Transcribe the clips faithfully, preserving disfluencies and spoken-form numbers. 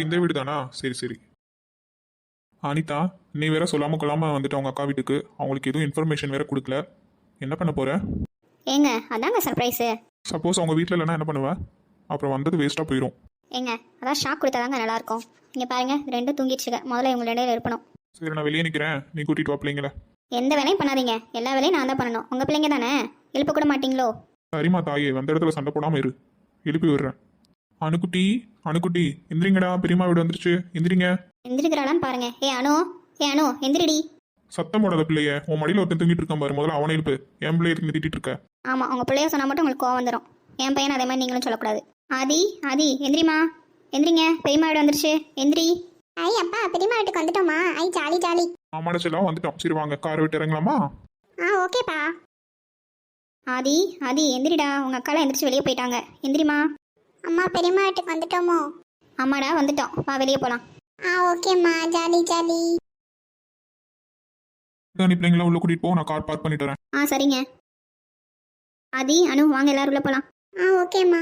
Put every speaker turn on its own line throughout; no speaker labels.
இந்த வீடு தானா? சரி சரி. அனிதா, நீ வேற சொல்லாம கொள்ளாம வந்துட்டு அவங்க அக்கா வீட்டுக்கு. அவங்களுக்கு எதுவும் இன்ஃபர்மேஷன் வேற கொடுக்கல. என்ன பண்ண போற?
ஏங்க அதாங்க சர்ப்ரைஸு.
சப்போஸ் அவங்க வீட்டில் இல்லைன்னா என்ன பண்ணுவ? அப்புறம் வந்தது வேஸ்ட்டாக போயிடும்.
ஏங்க அதான் ஷாக் கொடுத்தாதாங்க நல்லாயிருக்கும். இங்கே பாருங்க, ரெண்டும் தூங்கிடுச்சுங்க. முதல்ல இவங்க இடையில இருப்பணும்.
சரி, நான் வெளியே நிற்கிறேன், நீ கூட்டிட்டு வா பிள்ளைங்கள.
எந்த வேலையும் பண்ணாதீங்க, எல்லா வேலையும் நான் தான் பண்ணணும். உங்கள் பிள்ளைங்க தானே, எழுப்ப கூட மாட்டீங்களோ?
சரிம்மா தாயே, வந்த இடத்துல சண்டை போடாமல் இரு, எழுப்பி விடுறேன். அணுக்குட்டி, அணுக்குட்டி, எந்திரிங்கடா, பெரியம்மா வீடு வந்துருச்சு, எந்திரிங்க.
எந்திரிக்கிறாளான்னு பாருங்க. ஏ அனு, ஏ அனு எந்திரிடி.
சத்தம் போடாத பிள்ளைய, உன் மடியில் ஒருத்தன் தூங்கிட்டு இருக்கான் பாரு, முதல்ல அவனை எழுப்பு. என் பிள்ளைய இருக்கு திட்டிட்டு இருக்க.
ஆமாம், உங்கள் பிள்ளைய சொன்னால் மட்டும் உங்களுக்கு கோவம் வந்துடும். என் பையன் அதே மாதிரி நீங்களும் சொல்லக்கூடாது. ஆதி, ஆதி எந்திரிமா, எந்திரிங்க, பெரியம்மா வீடு வந்துருச்சு, எந்திரி.
ஐ அப்பா, பெரியம்மா வீட்டுக்கு வந்துட்டோமா? ஐ ஜாலி ஜாலி.
ஆமாட செல்லாம் வந்துட்டோம். சரி வாங்க, காரை விட்டு இறங்கலாமா?
ஆ ஓகேப்பா.
ஆதி, ஆதி எந்திரிடா, உங்கள் அக்காலாம் எந்திரிச்சு வெளியே போயிட்டாங்க, எந்திரிமா.
அம்மா, பெரியம்மா வீட்டுக்கு வந்துட்டோமோ?
ஆமாடா வந்துட்டோம், வா வெளியே போகலாம்.
ஆ ஓகேம்மா, ஜாலி ஜாலி.
நீ பிள்ளைங்களா உள்ள கூட்டிட்டு போ, நான் கார் பார்க் பண்ணிட்டு வரேன்.
ஆ சரிங்க. ஆதி, அனு வாங்க எல்லாரும் உள்ள போகலாம்.
ஆ ஓகேம்மா.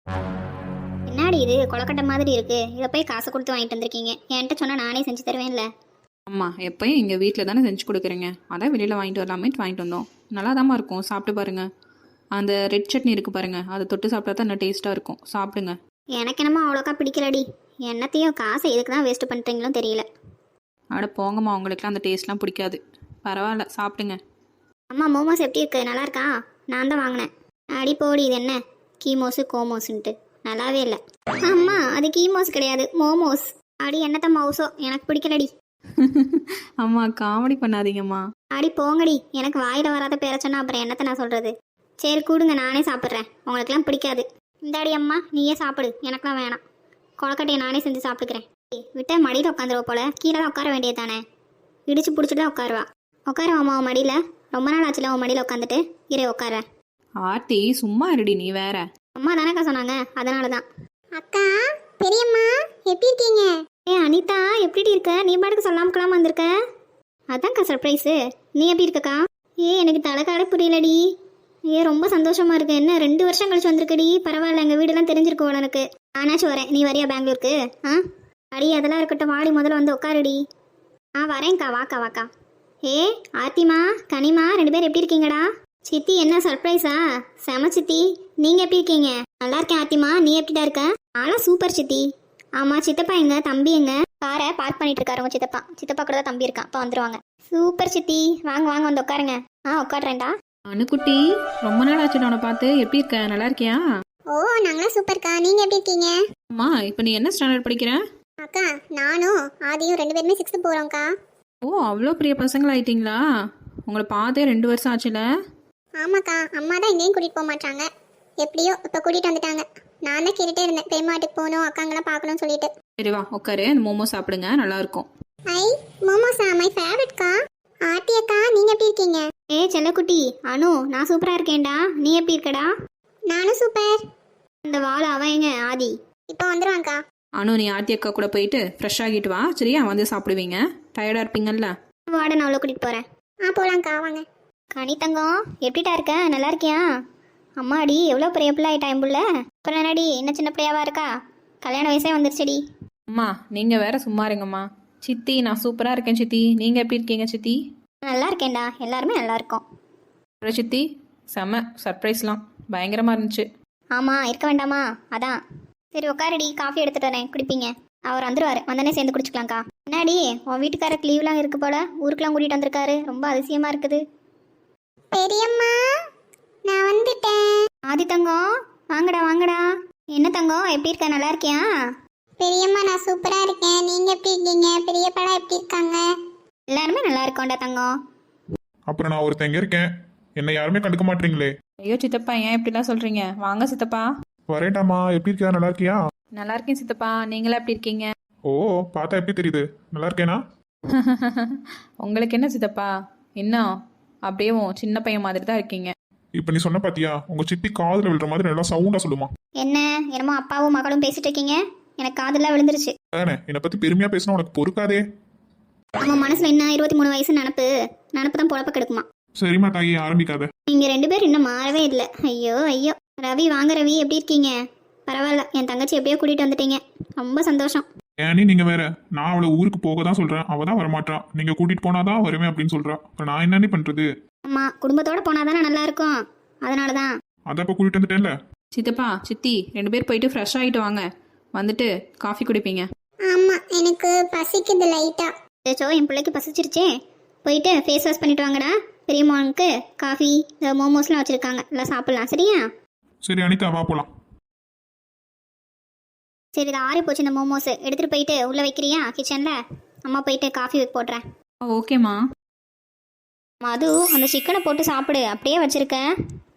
என்னடி இது கொலக்கட்டை மாதிரி இருக்கு, இதை போய் காசு கொடுத்து வாங்கிட்டு வந்திருக்கீங்க. என்கிட்ட சொன்னா நானே செஞ்சு தருவேன்ல.
அம்மா எப்பயும் எங்கள் வீட்டில் தானே செஞ்சு கொடுக்குறீங்க, அதான் வெளியில் வாங்கிட்டு வரலாமேட்டு வாங்கிட்டு வந்தோம். நல்லா தாம்மா இருக்கும், சாப்பிட்டு பாருங்க. அந்த ரெட் சட்னி இருக்குது பாருங்க, அதை தொட்டு சாப்பிட்டா தான் இன்னும் டேஸ்ட்டாக இருக்கும், சாப்பிடுங்க.
எனக்கு என்னமோ அவ்வளோக்கா பிடிக்கலடி. என்னத்தையும் காசை எதுக்கு தான் வேஸ்ட் பண்ணுறீங்களோ தெரியல.
அட போங்கம்மா, உங்களுக்குலாம் அந்த டேஸ்ட்லாம் பிடிக்காது. பரவாயில்ல, சாப்பிடுங்க.
அம்மா மோமோஸ் எப்படி இருக்கு, நல்லா இருக்கா? நான் தான் வாங்கினேன். அடி போடி, இது என்ன கீமோஸு கோமோஸுன்ட்டு நல்லாவே இல்லை. அம்மா அது கீமோஸ் கிடையாது, மோமோஸ். அடி என்னத்த மவுசோ, எனக்கு பிடிக்கலடி.
அம்மா காமெடி பண்ணாதீங்கம்மா.
அடி போங்கடி, எனக்கு வாயில் வராத பேர சொன்னா அப்புறம் என்னத்தை நான் சொல்கிறது. சரி கூடுங்க, நானே சாப்பிட்றேன், உங்களுக்குலாம் பிடிக்காது. இந்தாடி அம்மா, நீயே சாப்பிடு, எனக்குலாம் வேணாம். கொலக்கட்டையை நானே செஞ்சு சாப்பிட்டுக்கிறேன். விட்டா மடியில் உட்காந்துருவ போல, கீழே தான் உட்கார வேண்டியது தானே. இடிச்சு பிடிச்சிட்டு தான் உட்காருவா. உட்காருவாம்மா உன் மடியில், ரொம்ப நாள் ஆச்சுல உன் மடியில் உட்காந்துட்டு. இரு உட்காரேன்.
ஆர்த்தி சும்மா இருடி, நீ வேற.
அம்மா தானேக்கா சொன்னாங்க, அதனால தான்.
அக்கா, பெரியம்மா எப்படி இருக்கீங்க?
ஏ அனிதா, எப்படி இருக்க? நீ பாட்டுக்கு சொல்லாம கொள்ளாம வந்திருக்க. அதான்க்கா சர்ப்ரைஸு. நீ எப்படி இருக்கக்கா? ஏ எனக்கு தலைக்காட புரியலடி. ஏ ரொம்ப சந்தோஷமா இருக்கு. என்ன ரெண்டு வருஷம் கழிச்சு வந்திருக்கடி, பரவாயில்ல. எங்கள் வீடெல்லாம் தெரிஞ்சிருக்கோம் எனக்கு. நானாச்சும் வரேன், நீ வரியா பெங்களூருக்கு? ஆ அடி அதெல்லாம் இருக்கட்டும், வாடி முதல்ல வந்து உட்காருடி. ஆ வரேன்க்கா, வாக்கா வாக்கா. ஏ ஆர்த்திமா, கனிமா, ரெண்டு பேர் எப்படி இருக்கீங்கடா? சித்தி என்ன சர்ப்ரைஸா? செம சித்தி, நீங்கள் எப்படி இருக்கீங்க? நல்லா இருக்கேன் ஆர்த்திமா, நீ எப்படிடா இருக்க? ஆளா சூப்பர் சித்தி. ஆமாம், சித்தப்பா எங்க, தம்பி எங்க? காரை பார்க் பண்ணிட்டு இருக்காரு உங்க சித்தப்பா. சித்தப்பா கூட தான் தம்பி இருக்கான், இப்போ வந்துருவாங்க. சூப்பர் சித்தி, வாங்க வாங்க வந்து உட்காருங்க. ஆ உட்காடுறேன்டா.
அணுக்குட்டி, ரொம்ப நாள் ஆச்சு உன்னை பார்த்து. எப்படி இருக்க, நல்லா இருக்கியா?
ஓ நாங்களாம் சூப்பர்க்கா, நீங்க எப்படி இருக்கீங்க?
அம்மா இப்போ நீ என்ன ஸ்டாண்டர்ட் படிக்கிற?
அக்கா, நானும் ஆதியும் ரெண்டு பேருமே சிக்ஸ்த்து போகிறோம்க்கா.
ஓ அவ்வளோ பெரிய பசங்களாயிட்டீங்களா? உங்களை பார்த்தே ரெண்டு வருஷம் ஆச்சுல.
ஆமாக்கா, அம்மா தான் எங்கேயும் கூட்டிகிட்டு போக மாட்டாங்க. எப்படியோ இப்போ கூட்டிகிட்டு வந்துட்டாங்க. நான் தான் கேட்டுகிட்டே இருந்தேன், பெரியம்மா வீட்டுக்கு போகணும், அக்காங்களாம் பார்க்கணும்னு சொல்லிட்டு.
சரி வா உட்காரு, அந்த மோமோ சாப்பிடுங்க, நல்லா இருக்கும்.
ஐ மோமோஸா, மை ஃபேவரட்க்கா. ஆர்த்தி அக்கா, நீங்கள் எப்படி இருக்கீங்க?
ஏ செல்லக்குட்டி, அனு நான் சூப்பராக இருக்கேன்டா. நீ எப்படி இருக்கடா?
நானும் சூப்பர்.
இந்த வாழை அவன் எங்க ஆதி?
இப்போ வந்துடுவாங்க்கா.
அனு நீ ஆர்த்தி அக்கா கூட போயிட்டு ஃப்ரெஷ் ஆகிட்டு வா, சரியா? வந்து சாப்பிடுவீங்க, டயர்டாக இருப்பீங்கல்ல.
வாட நான் அவ்வளோ கூட்டிகிட்டு போகிறேன்.
ஆ போகலாங்க்கா, வாங்க.
கனி தங்கம், எப்படிட்டா இருக்க? நல்லா இருக்கியா? அம்மாடி எவ்வளோ பெரிய பிள்ளை ஆயிட்டா என் புள்ள. அப்புறம் என்னடி, என்ன சின்ன பிள்ளையாவா இருக்கா? கல்யாண வயசே வந்துருச்சுடி.
அம்மா நீங்கள் வேற சும்மா இருங்கம்மா. சித்தி நான் சூப்பராக இருக்கேன் சித்தி, நீங்கள் எப்படி இருக்கீங்க சித்தி?
நல்லா இருக்கேன்டா, எல்லாருமே நல்லா இருக்கோம்.
அப்புறம் சித்தி செம்ம சர்ப்ரைஸ்லாம் பயங்கரமாக இருந்துச்சு.
ஆமாம், இருக்க வேண்டாமா? அதான். சரி உட்காருடி, காஃபி எடுத்துட்டு வரேன், குடிப்பீங்க. அவர் வந்துருவாரு, வந்தனே சேர்ந்து குடிச்சுக்கலாம்க்கா. என்னடி உன் வீட்டுக்காரருக்கு லீவ்லாம் இருக்கு போல, ஊருக்குலாம் கூட்டிகிட்டு வந்திருக்காரு, ரொம்ப அதிசயமாக இருக்குது.
பெரியம்மா, நான் வந்துட்டேன்.
ஆதி தங்கம், வாங்கடா வாங்கடா. என்ன தங்கம், எப்படி இருக்க, நல்லா இருக்கியா?
பெரியம்மா நான் சூப்பராக இருக்கேன், நீங்கள் எப்படி இருக்கீங்க? பெரியப்பாடா எப்படி இருக்காங்க?
எல்லாருமே நல்லா இருக்கோம்டா தங்கம்.
அப்புறம் நான் ஒருத்தன் இங்க இருக்கேன், என்னை யாருமே கண்டுக்க மாட்டீங்களே.
ஐயோ சித்தப்பா, ஏன் இப்படிலாம் சொல்கிறீங்க? வாங்க சித்தப்பா.
வரேன்டாமா, எப்படி இருக்கியா, நல்லா இருக்கியா?
நல்லா இருக்கேன் சித்தப்பா, நீங்களா எப்படி இருக்கீங்க?
ஓ பார்த்தா எப்படி தெரியுது, நல்லா இருக்கேனா?
உங்களுக்கு என்ன சித்தப்பா, இன்னும் அப்படியே சின்ன பையன் மாதிரி தான் இருக்கீங்க.
இப்போ நீ சொன்ன பாத்தியா, உங்க சித்தி காதுல விழுற மாதிரி நல்லா சவுண்டா சொல்லுமா.
என்ன என்னமோ அப்பாவும் மகளும் பேசிட்டு இருக்கீங்க, எனக்கு காதெல்லாம் விழுந்துருச்சு.
தானே என்னை பத்தி பெருமையா பேசினா உனக்கு பொறுக்காதே.
அவன் மனசுல என்ன இருபத்தி மூணு வயசு நினப்பு நினப்பு தான் பொழப்ப கெடுக்குமா.
சரிம்மா தாயி, ஆரம்பிக்காத.
நீங்க ரெண்டு பேரும் இன்னும் மாறவே இல்லை. ஐயோ ஐயோ. ரவி வாங்க ரவி, எப்படி இருக்கீங்க? பரவாயில்ல, என் தங்கச்சி எப்படியோ கூட்டிகிட்டு வந்துட்டீங்க, ரொம்ப சந்தோஷம்.
ஏனி நீங்க வேற, நான் அவளை ஊருக்கு போக தான் சொல்றேன், அவ தான் வரமாட்டான். நீங்க கூட்டிட்டு போனாதான் வருவேன் அப்படின்னு சொல்றா. இப்ப நான் என்னன்னு பண்றது?
அம்மா, குடும்பத்தோட போனாதானே நல்லா இருக்கும், அதனால தான்.
அதான் இப்ப கூட்டிட்டு வந்துட்டேன்ல.
சித்தப்பா சித்தி ரெண்டு பேர் போயிட்டு ஃப்ரெஷ் ஆகிட்டு வாங்க, வந்துட்டு காஃபி குடிப்பீங்க.
ஆமா, எனக்கு பசிக்குது லைட்டா.
ஏச்சோ, என் பிள்ளைக்கு பசிச்சிருச்சே. போயிட்டு ஃபேஸ் வாஷ் பண்ணிட்டு வாங்கடா. பெரியம்மாவுக்கு காஃபி, இந்த மோமோஸ்லாம் வச்சுருக்காங்க, எல்லாம் சாப்பிட்லாம். சரியா?
சரி அனிதா, வா போலாம்.
சரி, இது ஆறி போச்சு இந்த மோமோஸ். எடுத்துகிட்டு போயிட்டு உள்ளே வைக்கிறியா கிச்சனில்? அம்மா போயிட்டு காஃபி போடுறேன்.
ஓகேம்மா.
மது, அந்த சிக்கனை போட்டு சாப்பிடு, அப்படியே வச்சுருக்கேன்.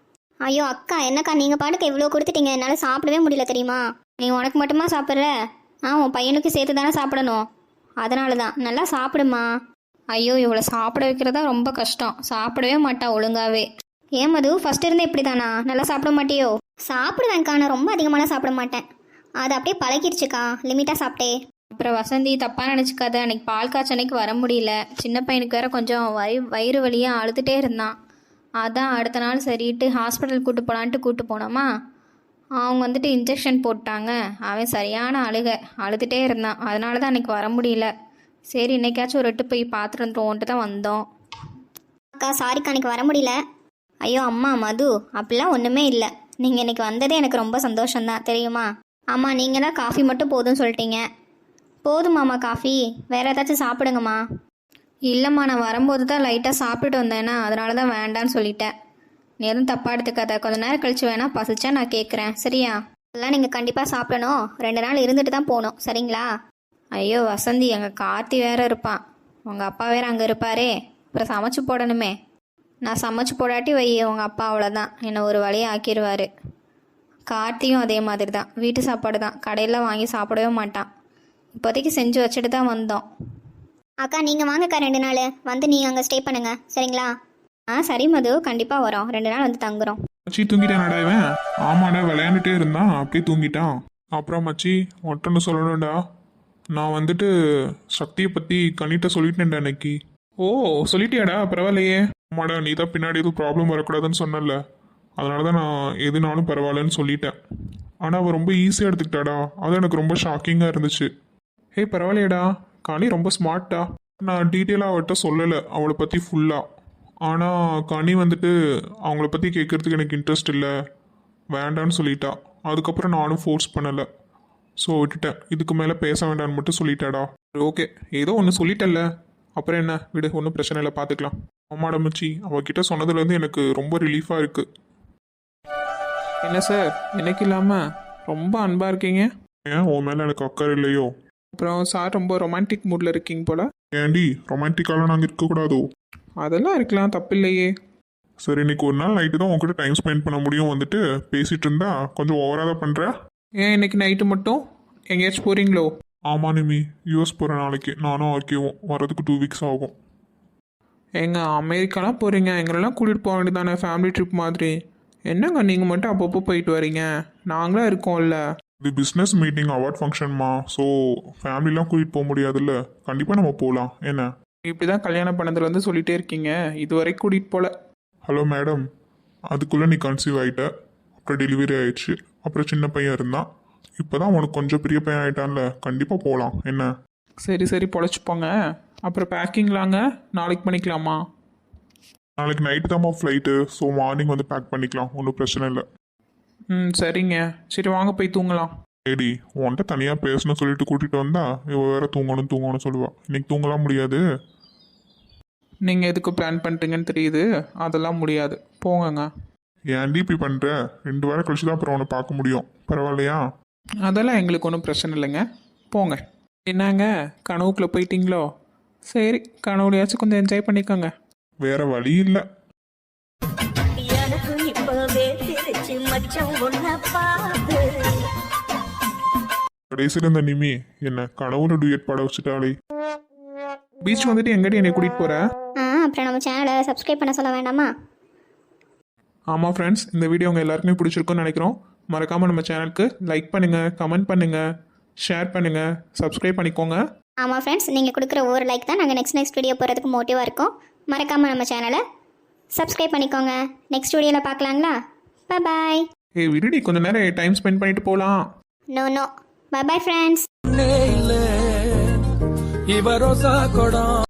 ஐயோ அக்கா, என்னக்கா நீங்கள் பாட்டுக்கு எவ்வளோ கொடுத்துட்டீங்க, என்னால் சாப்பிடவே முடியல தெரியுமா? நீ உனக்கு மட்டுமா சாப்பிட்ற? ஆ, உன் பையனுக்கு சேர்த்து தானே சாப்பிடணும், அதனால தான். நல்லா சாப்பிடுமா.
ஐயோ, இவ்வளோ சாப்பிட வைக்கிறதா ரொம்ப கஷ்டம், சாப்பிடவே மாட்டா ஒழுங்காவே.
ஏன் மது, ஃபஸ்ட் இருந்தே இப்படி தானா? நல்லா சாப்பிட மாட்டியோ? சாப்பிடுவேன்க்கா, நான் ரொம்ப அதிகமாலாம் சாப்பிட மாட்டேன், அது அப்படியே பழகிடுச்சுக்கா, லிமிட்டாக சாப்பிட்டே.
அப்புறம் வசந்தி தப்பாக நினச்சிக்காத, அன்னைக்கு பால் காய்ச்சனைக்கு வர முடியல. சின்ன பையனுக்கு வேற கொஞ்சம் வயி வயிறு வலியாக அழுதுகிட்டே இருந்தான். அதான் அடுத்த நாள் சரிட்டு ஹாஸ்பிட்டல் கூட்டு போகலான்ட்டு கூட்டு போனோமா, அவங்க வந்துட்டு இன்ஜெக்ஷன் போட்டாங்க. அவன் சரியான அழுக அழுதுகிட்டே இருந்தான், அதனால தான் அன்றைக்கி வர முடியல. சரி, இன்னைக்காச்சும் ஒரு எட்டு போய் பார்த்துட்டு வந்துருவோன்ட்டு தான் வந்தோம்.
அக்கா சாரிக்கா, அன்றைக்கி வர முடியல. ஐயோ அம்மா மது, அப்படிலாம் ஒன்றுமே இல்லை. நீங்கள் இன்றைக்கி வந்ததே எனக்கு ரொம்ப சந்தோஷம்தான் தெரியுமா? ஆமாம், நீங்கள் தான் காஃபி மட்டும் போதும்னு சொல்லிட்டீங்க. போதுமாம்மா காஃபி? வேறு ஏதாச்சும் சாப்பிடுங்கம்மா.
இல்லைம்மா, நான் வரும்போது தான் லைட்டாக சாப்பிட்டுட்டு வந்தேன்னா, அதனால தான் வேண்டான்னு சொல்லிட்டேன். நீ எதுவும் தப்பாக எடுத்துக்காத, கொஞ்ச நேரம் கழிச்சு வேணா பசிச்சா நான் கேட்குறேன், சரியா?
அதெல்லாம் நீங்கள் கண்டிப்பாக சாப்பிடணும், ரெண்டு நாள் இருந்துட்டு தான் போகணும், சரிங்களா?
ஐயோ வசந்தி, எங்கள் கார்த்தி வேற இருப்பான், உங்கள் அப்பா வேற அங்கே இருப்பாரே, அப்புறம் சமைச்சு போடணுமே. நான் சமைச்சு போடாட்டி வை, உங்கள் அப்பா அவ்வளோதான் என்னை ஒரு வழியை ஆக்கிடுவார். கார்த்தியும் அதே மாதிரி தான், வீட்டு சாப்பாடு தான், கடையில் வாங்கி சாப்பிடவே மாட்டான். இப்போதைக்கு செஞ்சு வச்சுட்டு தான் வந்தோம்.
அக்கா நீங்கள் வாங்கக்கா, ரெண்டு நாள் வந்து நீங்கள் அங்கே ஸ்டே பண்ணுங்கள், சரிங்களா? ஆ சரி மது, கண்டிப்பாக வரோம், ரெண்டு நாள் வந்து தங்குறோம்.
மச்சி தூங்கிட்டானடா இவன்? ஆமாடா, விளையாண்டுட்டே இருந்தான், அப்படியே தூங்கிட்டான். அப்புறம் மச்சி ஒட்டன்னு சொல்லணும்டா, நான் வந்துட்டு சக்தியை பற்றி கனிட்ட சொல்லிட்டேன்டா அன்னைக்கு. ஓ சொல்லிட்டியாடா, பரவாயில்லையே. ஆமாடா, நீ தான் பின்னாடி எதுவும் ப்ராப்ளம் வரக்கூடாதுன்னு சொன்னல, அதனால தான் நான் எதுனாலும் பரவாயில்லன்னு சொல்லிட்டேன். ஆனால் அவள் ரொம்ப ஈஸியாக எடுத்துக்கிட்டாடா, அது எனக்கு ரொம்ப ஷாக்கிங்காக இருந்துச்சு. ஹே பரவாயில்லையடா, கனி ரொம்ப ஸ்மார்ட்டா. நான் டீட்டெயிலாக அவள்கிட்ட சொல்லலை அவளை பற்றி ஃபுல்லாக. ஆனால் கனி வந்துட்டு அவங்கள பற்றி கேட்குறதுக்கு எனக்கு இன்ட்ரெஸ்ட் இல்லை, வேண்டான்னு சொல்லிட்டா. அதுக்கப்புறம் நானும் ஃபோர்ஸ் பண்ணலை, ஸோ விட்டுட்டேன். இதுக்கு மேலே பேச வேண்டான்னு மட்டும் சொல்லிட்டாடா. ஓகே, ஏதோ ஒன்று சொல்லிட்டல்ல, அப்புறம் என்ன விடு, ஒன்றும் பிரச்சனை இல்லை, பார்த்துக்கலாம். ஆமாடா மச்சி, அவகிட்ட சொன்னதுலேருந்து எனக்கு ரொம்ப ரிலீஃபாக இருக்குது.
என்ன சார், எனக்கு இல்லாமல் ரொம்ப அன்பாக இருக்கீங்க.
ஏன் உன் மேலே எனக்கு அக்கறை இல்லையோ?
அப்புறம் சார் ரொம்ப ரொமான்டிக் மூடில் இருக்கீங்க போல.
ஏண்டி ரொமான்டிக்காலாம் நாங்கள் இருக்கக்கூடாதோ?
அதெல்லாம் இருக்கலாம், தப்பில்லையே.
சரி, இன்னைக்கு ஒரு நாள் நைட்டு தான் உங்ககிட்ட டைம் ஸ்பெண்ட் பண்ண முடியும், வந்துட்டு பேசிகிட்டு இருந்தா கொஞ்சம் ஓவராக தான் பண்ணுற.
ஏன் இன்னைக்கு நைட்டு மட்டும் எங்கேயாச்சும் போகிறீங்களோ?
ஆமாம் நிமி, யூஎஸ் போகிற நாளைக்கு நானும் ஆக்கியோம், வரதுக்கு டூ வீக்ஸ் ஆகும்.
எங்க அமெரிக்காலாம் போகிறீங்க, எங்களெல்லாம் கூட்டிகிட்டு போக வேண்டியதானே, ஃபேமிலி ட்ரிப் மாதிரி. என்னங்க நீங்கள் மட்டும் அப்பப்போ போயிட்டு வரீங்க, நாங்களாம் இருக்கோம்ல.
இது பிஸ்னஸ் மீட்டிங் அவார்ட் ஃபங்க்ஷன்மா, ஸோ ஃபேமிலிலாம் கூட்டிகிட்டு போக முடியாதுல்ல, கண்டிப்பாக நம்ம போகலாம். என்ன
இப்படி தான் கல்யாணம் பண்ணதுலேருந்து சொல்லிகிட்டே இருக்கீங்க, இது வரைக்கும் கூட்டிகிட்டு போகல.
ஹலோ மேடம், அதுக்குள்ளே நீ கன்சீவ் ஆகிட்ட, அப்புறம் டெலிவரி ஆயிடுச்சு, அப்புறம் சின்ன பையன் இருந்தான், இப்போ தான் உனக்கு கொஞ்சம் பெரிய பையன் ஆகிட்டான்ல, கண்டிப்பாக போகலாம். என்ன
சரி சரி பொழைச்சிப்போங்க. அப்புறம் பேக்கிங்லாங்க நாளைக்கு பண்ணிக்கலாமா?
நாளைக்கு நைட்டு தான்மா ஃப்ளைட்டு, ஸோ மார்னிங் வந்து பேக் பண்ணிக்கலாம், ஒன்றும் பிரச்சனை இல்லை.
ம் சரிங்க, சரி வாங்க போய் தூங்கலாம்.
ஏடி உன்கிட்ட தனியாக பேசணும்னு சொல்லிட்டு கூட்டிகிட்டு வந்தா இவ வேற தூங்கணும் தூங்கணும்னு சொல்லுவா. இன்னைக்கு தூங்கலாம் முடியாது.
நீங்கள் எதுக்கு பிளான் பண்ணிட்டீங்கன்னு தெரியுது, அதெல்லாம் முடியாது, போங்கங்க.
ஏன்டி இப்படி பண்ணுற? ரெண்டு வாரம் கழிச்சு தான் அப்புறம் அவனை பார்க்க முடியும், பரவாயில்லையா?
அதெல்லாம் எங்களுக்கு ஒன்றும் பிரச்சனை இல்லைங்க, போங்க. என்னங்க கனவுக்குள்ளே போயிட்டீங்களோ? சரி, கனவுலையாச்சும் கொஞ்சம் என்ஜாய் பண்ணிக்கோங்க.
வேற வழி இல்லை.
எனக்கு இப்பவே திருச்சி மச்சம் ஒன்ன பாத்து.
கடைசியில் இந்த நிமி என்ன கனவுல டூயட் பாட வச்சுட்டாளே.
பீச் வந்துட்டு எங்கடி என்னை கூட்டிகிட்டு போகிற?
ஆ அப்புறம் நம்ம சேனலை சப்ஸ்கிரைப் பண்ண சொல்ல வேண்டாமா?
ஆமாம் ஃப்ரெண்ட்ஸ், இந்த வீடியோ உங்கள் எல்லாருக்குமே பிடிச்சிருக்குன்னு நினைக்கிறோம். மறக்காமல் நம்ம சேனலுக்கு லைக் பண்ணுங்கள், கமெண்ட் பண்ணுங்கள், ஷேர் பண்ணுங்கள், சப்ஸ்கிரைப் பண்ணிக்கோங்க.
ஆமாம் ஃப்ரெண்ட்ஸ், நீங்கள் கொடுக்குற ஒரு லைக் தான் நாங்கள் நெக்ஸ்ட் நெக்ஸ்ட் வீடியோ போகிறதுக்கு மோட்டிவாக இருக்கும். மறக்காமல் நம்ம சேனலை சப்ஸ்கிரைப் பண்ணிக்கோங்க. நெக்ஸ்ட் வீடியோவில் பார்க்கலாங்களா? பாய்.
ஏய் விடுடி கொஞ்ச நேரம் டைம் ஸ்பெண்ட் பண்ணிட்டு போகலாம்.
No no bye bye friends
இவரோசா கொடம்